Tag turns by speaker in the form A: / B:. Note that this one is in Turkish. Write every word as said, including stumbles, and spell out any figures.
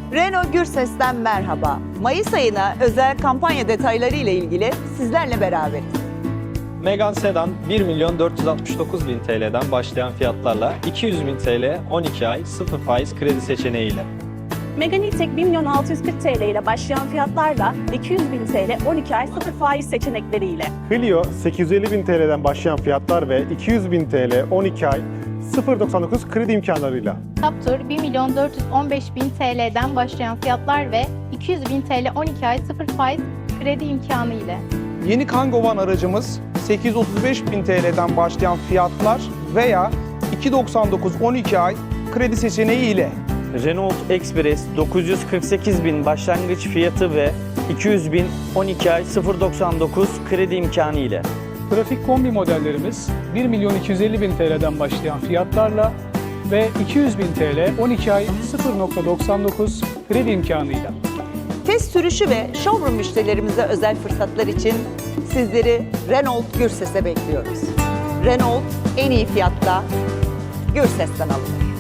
A: Renault Gürses'ten merhaba. Mayıs ayına özel kampanya detayları ile ilgili sizlerle beraberiz.
B: Megane Sedan bir milyon dört yüz altmış dokuz bin T L'den başlayan fiyatlarla iki yüz bin T L on iki ay sıfır faiz kredi seçeneğiyle.
C: Megane E-Tech bir milyon altı yüz kırk T L ile başlayan fiyatlarla iki yüz bin T L on iki ay sıfır faiz seçenekleriyle.
D: Clio sekiz yüz elli bin T L'den başlayan fiyatlar ve iki yüz bin T L on iki ay sıfır virgül doksan dokuz kredi imkanlarıyla.
E: Captur bir milyon dört yüz on beş bin T L'den başlayan fiyatlar ve iki yüz bin T L on iki ay sıfır faiz kredi imkanı ile.
F: Yeni Kangoo Van aracımız sekiz yüz otuz beş bin T L'den başlayan fiyatlar veya iki yüz doksan dokuz on iki ay kredi seçeneği ile.
G: Renault Express dokuz yüz kırk sekiz bin başlangıç fiyatı ve iki yüz bin on iki ay sıfır virgül doksan dokuz kredi imkanı ile.
H: Trafik kombi modellerimiz bir milyon iki yüz elli bin T L'den başlayan fiyatlarla ve iki yüz bin T L on iki ay sıfır virgül doksan dokuz kredi imkanıyla.
A: Test sürüşü ve showroom müşterilerimize özel fırsatlar için sizleri Renault Gürses'e bekliyoruz. Renault en iyi fiyatta Gürses'ten alınır.